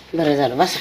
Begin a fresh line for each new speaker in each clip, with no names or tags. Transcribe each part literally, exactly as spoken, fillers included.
बरं झालं बसा.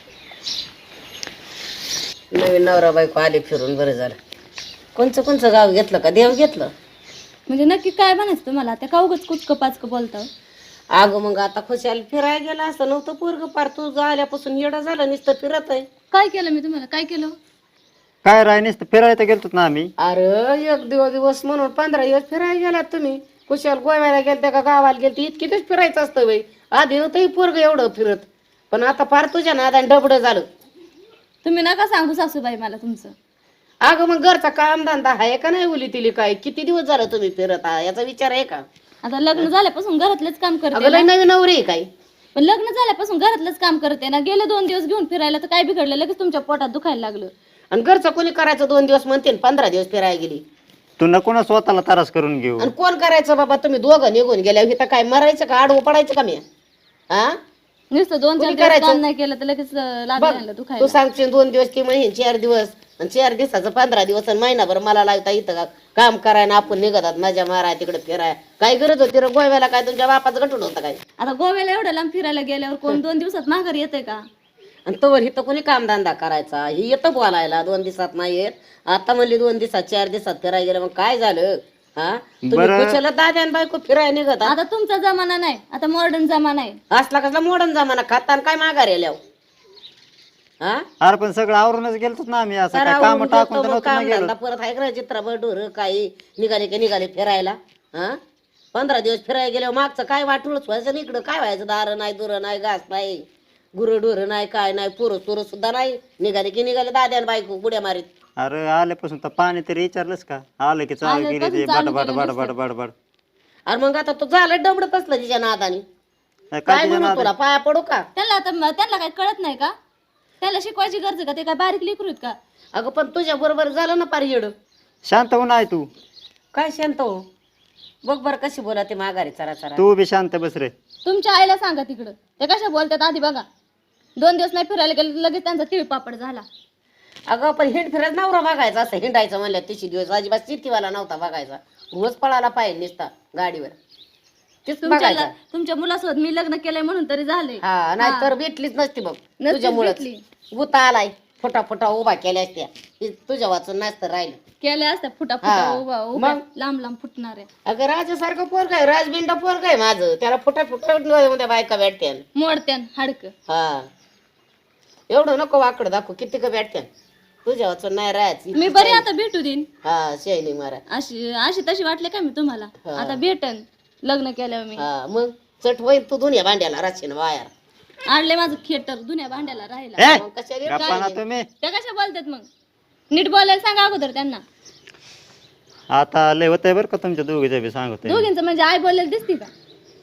नवीन नवरा बायको आले फिरून बरं झालं. कोणचं कोणचं गाव घेतलं का देव घेतलं?
म्हणजे नक्की काय म्हणायचं तुम्हाला? त्या का उगच कुचकं पाचकं बोलता?
अगं मग आता खुशाल फिरायला गेला असं नव्हतं पोरग पार तू आल्यापासून येडं झालं नुसतं फिरत आहे.
काय केलं मी तुम्हाला? काय केलं?
काय राय नुसतं फिरायला गेलतो ना आम्ही.
अरे एक दिवस दिवस म्हणून पंधरा दिवस फिरायला गेलात तुम्ही. खुशाल गोव्याला गेलते का गावाला गेलते इतकी तेच फिरायचं असतं बाई. आधी नव्हतं पोरग एवढं फिरत, पण आता फार तुझ्या नादाने डबडं झालं.
तुम्ही नका सांगू सासूबाई मला तुमचं.
अगं मग घरचा काम धंदा आहे का नाही उली तिली काय? किती दिवस झालं तुम्ही फिरत आहात याचा विचार आहे का?
आता लग्न झाल्यापासून घरातलंच काम करते
अगं लय
ना.
नवीन नवरी आहे काय?
पण लग्न झाल्यापासून घरातलंच काम करते ना. गेले दोन दिवस घेऊन फिरायला तर काय बिघडलं? लगेच तुमच्या पोटात दुखायला लागलं.
आणि घरचं कोणी करायचं दोन दिवस म्हणते पंधरा दिवस फिरायला गेली.
तू नको ना स्वतःला त्रास करून घेऊ.
आणि कोण करायचं बाबा? तुम्ही दोघं निघून गेल्या इथं काय मरायचं का आडवं पडायचं का मी? हा
नुसतं दोन चार
कोणी
दिवस
करायचं?
काम नाही केलं तर लगेच
बघ
लागलं
तू
दुखायला.
सांगशील दोन दिवस की महिने चार दिवस आणि चार दिवसाचं पंधरा दिवस आणि महिनाभर मला लागता इथं का काम करायला आपण निघतात मजा माराय तिकडे फिराय. काय गरज होती रे गोव्याला? काय तुमच्या बापाचं गठून होतं काय?
आता गोव्याला एवढ्या लांब फिरायला गेल्यावर कोण दोन दिवसात माघारी येते का?
आणि तोवर इथं कोणी कामधंदा करायचा? ही येतं बोलायला दोन दिवसात नाही येत. आता म्हणली दोन दिवसात चार दिवसात फिरायला गेलं, मग काय झालं? हा तुम्ही
बरं.
कुशाला दाद्या आणि बायको फिरायला निघत
आता तुमचा जमाना नाही, आता मॉडर्न जमाना आहे.
असला कसला मोडन जमाना खाता आणि काय माघार येल्या हा
अरे पण सगळं आवरूनच गेलतो ना आम्ही. असं काय काम
आवरून
टाकून
गेलतो
तर
मग
नव्हतं ना
काम
गेलो.
धंदा परत आहे का चित्राभर ढोर काही निघाले की निघाले फिरायला. हा पंधरा दिवस फिरायला गेल्यावर मागचं काय वाटूनच व्हायचं ना इकडं काय व्हायचं? दार नाही दुर नाही घास नाही गुरं ढोर नाही काय नाही पोरं सोरं सुद्धा नाही. निघाले की निघाले दाद्या आणि बायको बुड्या मारीत.
अरे आल्यापासून तर पाणी तरी विचारलंच का? आलं की चालू केली ते बड बड बड बड बड बड.
अरे मग आता तो झालं डबडत असलं तिच्या नादानी.
काय
काय
तुझ्या
म्हणू
नादात?
तुला पाया पडू का?
त्यांना आता त्यांना काय कळत नाही का? त्यांना शिकवायची गरज आहे का? ते काय बारीक लेकरू आहेत का?
अगं पण तुझ्या बरोबर झालं ना पार येड.
शांत होऊन आहे तू.
काय शांत हो? बघ बरं कशी बोला ते माघारी चरा चरा.
तू बी शांत बस रे.
तुमच्या आईला सांगा तिकडं ते कशा बोलतात आधी बघा. दोन दिवस नाही फिरायला गेले तर लगेच त्यांचा तिळ पापड झाला.
अगं पण हिंड फिरत नवरा बघायचा असं हिंडायचं म्हणलं तिशी दिवस अजिबात शेतीवाला नव्हता बघायचा. रोज पळाला पाहिजे नुसता गाडीवर तीच
तुमच्या
बघायचा.
तुमच्या मुलासोबत मी लग्न केलंय म्हणून तरी झाले.
हा नाही तर भेटलीच नसती बघ
नसतीच
तुझ्यामुळेच.
भेटली.
गुता आलाय फुटा फुटा उभा केल्या असत्या हे तुझ्या वाचून नसतं राहिलं.
केल्या असत्या फुटा
हा.
फुटा उभा उभा
मग?
लांब लांब फुटणार आहे.
अगं राजासारखं पोरग आहे राजबिंड पोरग आहे माझं. त्याला फुटा फुटा मध्ये बायका भेटत्या.
मोडत्यान हाडक.
हा एवढं नको वाकडं दाखव किती का भेटत्या. तुझ्या वाचून नाही राहायची.
मी बरी आता भेटू देईन.
हा शैली मारा.
अशी अशी तशी वाटले का मी तुम्हाला?
हा.
आता भेटन लग्न केल्यावर मी.
हा मग चट होईल तू दुनिया भांड्याला राशीन वायर.
आणले माझं खेटर दुन्या भांड्याला राहिला.
ए,
मग कशाला
गप्पा ना
काय?
तुम्ही.
त्या कशा बोलतात मग? नीट बोलायला सांगा अगोदर त्यांना.
आता लय होतंय बरं का तुमच्या दोघीच्या बी सांगतोय.
दोघींचं म्हणजे आई बोलायला दिसती का?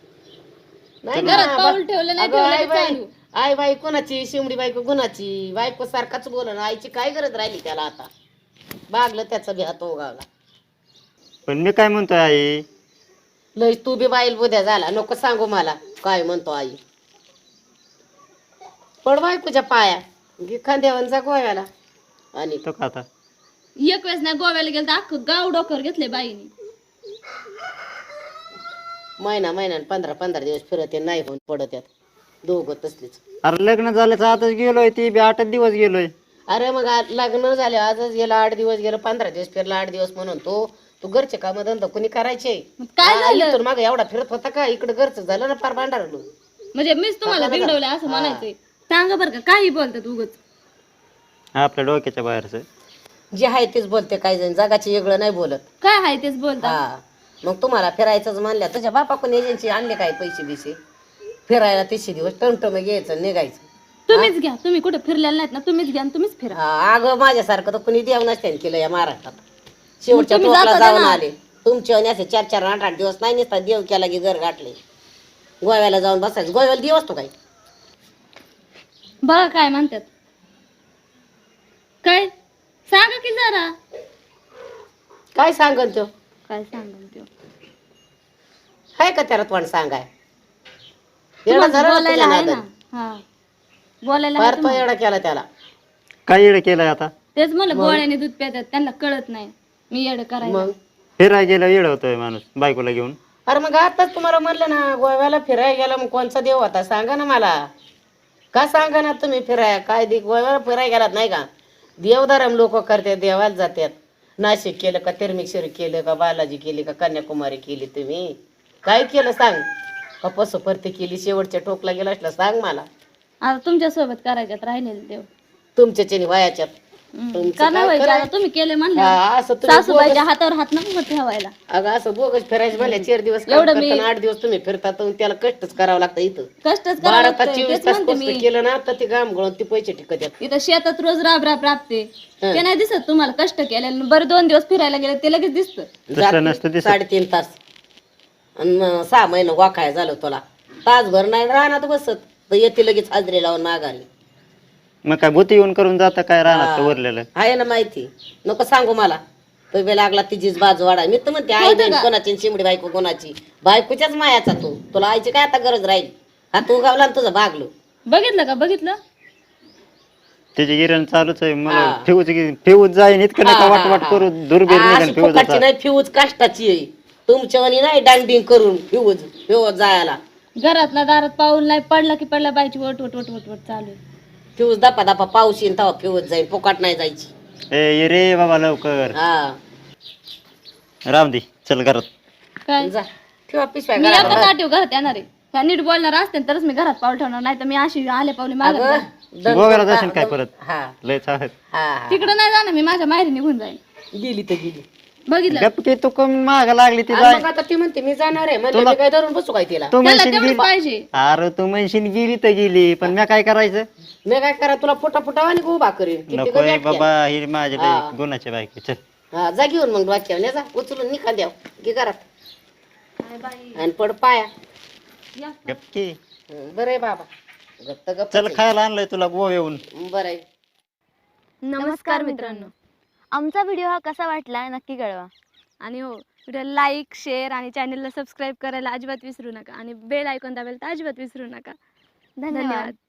नाही
घरात
ना,
पाऊल ठेवलं नाही
अगं,
ठेवलं
आई
की
बाई
चालू.
आई बाई कोणाची शिमडी बायको गुणाची बायको सारखाच बोलन. आईची काय गरज राहिली त्याला आता? बागलं त्याचा बी हात उगावला.
पण मी काय म्हणतोय आई,
लय तू बी बाईल बुद्या झाला नको सांगू मला काय म्हणतो आई. पड बायकोच्या पाया घे खांद्यावरचा गोव्याला. आणि
तो का आता
एक वेळेस नाही गोव्याला गेलं तर अख्खं गाव डोकर घेतले बाईनी.
महिना महिन्यान पंधरा पंधरा दिवस फिरत आहे, नाही होऊन पडत यात दोघं तसलीच.
अरे लग्न झाल्याचं आताच गेलोय ती बी आठच दिवस गेलोय.
अरे मग आज लग्न झाले आजच गेलं आठ दिवस गेलं पंधरा दिवस फिरला आठ दिवस म्हणून तो तू घरचे काम धंदा कोणी करायचे?
मग काय झालं?
इथून मागे एवढा फिरत होता का? इकडे घरचं झालं ना फार भांडार.
म्हणजे मीच तुम्हाला बिघडवलंय असं म्हणायचंय. सांगा बरं का काही बोलतात उगच.
आपल्या डोक्याच्या बाहेरचं.
जे आहे तेच बोलते काही जण जगाची वेगळं नाही बोलत.
काय आहे तेच बोलतात.
हा मग तुम्हाला फिरायचंच म्हणल्या तुझ्या बापाकडून एजन्सी आणले काय पैसे बिसे फिरायला तिसशे दिवस टमटम घ्यायचं निघायचं.
तुम्हीच घ्या. तुम्ही कुठे फिरलेला नाहीत ना, तुम्हीच घ्या आणि तुम्हीच फिरा.
हा, अगं माझ्यासारखं तर कुणी देव नसते केलं या महाराष्ट्रात. शेवटच्या
तुम्ही
टोकाला
जाता
जाऊन
ना.
आले तुमचे आणि असे चार चार आठ आठ दिवस नाही नसतात देव केला की घर गाठले. गोव्याला जाऊन बसायचं. गोव्याला देव असतो काय?
बघा काय म्हणतात. काय सांगा की जरा.
काय सांगन तो?
काय सांगा ते.
हाय का त्याला तोंड सांगाय?
तुम्हाला
एवढा झाला ना
बोलायला
तुझ्या
आहे ना.
नादात.
हा बोलायला
फार
आहे
तो
तुम्हाला.
एवढा केला त्याला.
काय येडं केलंय आता?
तेच मला गोळ्याने दूध प्यातात त्यांना कळत नाही मी येड करायला.
मग
फिरायला गेलं येडं होतोय माणूस बायकोला घेऊन.
अरे मग आताच तुम्हाला म्हणलं ना गोव्याला फिरायला गेला मग कोणचा देव होता सांगा ना मला. का सांगा ना तुम्ही फिराय काय दिक फिराय गेलात नाही का? देवदारम लोक करतात, देवाला जातात. नाशिक केलं का, तिरमिक्षरी केलं का, बालाजी केली का, कन्याकुमारी केली, तुम्ही काय केलं सांग? का पसुपर्ती केली, शेवटच्या टोकला गेला असला सांग मला.
आता तुमच्या सोबत करायच्यात राहिलेले देव
तुमच्याच्यानी वयाच्यात
हम्म.
तुमचं
का
काय
नाही व्हायचं?
करायचं?
आता तुम्ही केले म्हणले
हा, असं तुम्ही
सासूबाईच्या हातावर हात नको ठेवायला.
अगं असं बोगस फिरायचं भले चार दिवस काम
एवढं मी-
करताना आठ दिवस तुम्ही फिरता तर त्याला कष्टच करावं लागतं इथं.
कष्टच
बारा
करावं
तास
लागतंय.
चोवीस
तेच
तास
म्हणते
कष्ट
मी
केलं ना तर ते घाम गळून ते पैसे टिकत येतात.
इथं शेतात रोज राब राब राबते
हं.
ते नाही दिसत तुम्हाला कष्ट केलेलं. बरं दोन दिवस फिरायला गेले ते लगेच दिसतं.
तसं नसतं
जाती
दिसत.
साडेतीन तास आणि मग सहा महिने वाखाय झालं तुला. तासभर नाही रानात बसत तर येते लगेच हाजरी लावून माघारी.
मग काय भूती येऊन करून जाता काय राहणार उरलेलं?
आहे ना माहिती, नको सांगू मला. तो बे लागला तिचीच बाजू वाढा. मी तर म्हणते आई
होतं
बहीण
का?
कोणाची आणि शिमडी बायको कोणाची. बायकोच्याच मायाचा तू. तुला आईची काय आता गरज राहील? हा तू गावला आणि तुझं भागलो.
बघितलं का बघितलं
त्याची गिरण चालूच आहे. मला
हा.
फ्यूज फ्यूज जाईन इतकं नका
हा,
वाट
हा,
वाट
हा.
करू दुर्बीर
अशी
निघाल फ्यूज
फुकटची नाही, फ्यूज काष्टाची आहे. तुमच्यावानी नाही डांडिंग करून फ्यूज फ्यूज जायला.
घरात ना दारात पाऊल नाही पडला की पडला बायची वट वट वट वट वट चालू आहे.
फ्यूज दपा दपा पाऊस येईन तेव्हा फ्यूज जाईल, फुकट नाही जायची.
ए ये रे बाबा लवकर
हा
राम दे चल घरात.
काय
जा ठेवा पिशव्या
मी एका
घरात.
ताटीव घरात येणार आहे. ह्या नीट बोलणार असते तरच मी घरात पाऊल ठेवणार, नाही तर मी अशी आले पावले मागत
अगं,
जाईन.
दण-
गोव्याला जाशील काय परत?
हा
लय चालत
हा हा.
तिकडं नाही जाणार मी, माझ्या माहेरी निघून जाईन.
गेली तर गेली.
बघितलं
गपकी तू कमी माग लागली ती
आणि
जाय.
मग आता ती म्हणते मी जाणार आहे म्हणजे
तुला-
मी काय धरून बसू काय तिला?
तू
त्याला
म्हणशील
तेवढंच
गेली
पाहिजे.
अरे तू म्हणशील गेली तर गेली पण मी काय करायचं?
मी काय करा तुला फुटा फुटा आणि उभा करेन. किती
नको
गं
रे
व्याख्या.
बाबा ही माझ्या
हा.
लय गुणाच्या बायको चल.
हा जा घेऊन मग वाक्यावर जा उचलून निघा द्याव की घरात आणि पड पाया.
गपकी
हं, बरं आहे बाबा. गप्प गप्प
चल खायला आणलंय तुला गोवा येऊन.
बरं आहे.
नमस्कार मित्रांनो, आमचा व्हिडिओ हा कसा वाटला नक्की कळवा. आणि हो व्हिडिओ लाईक शेअर आणि चॅनलला सबस्क्राईब करायला अजिबात विसरू नका आणि बेल आयकॉन दाबायला तर अजिबात विसरू नका. धन्यवाद.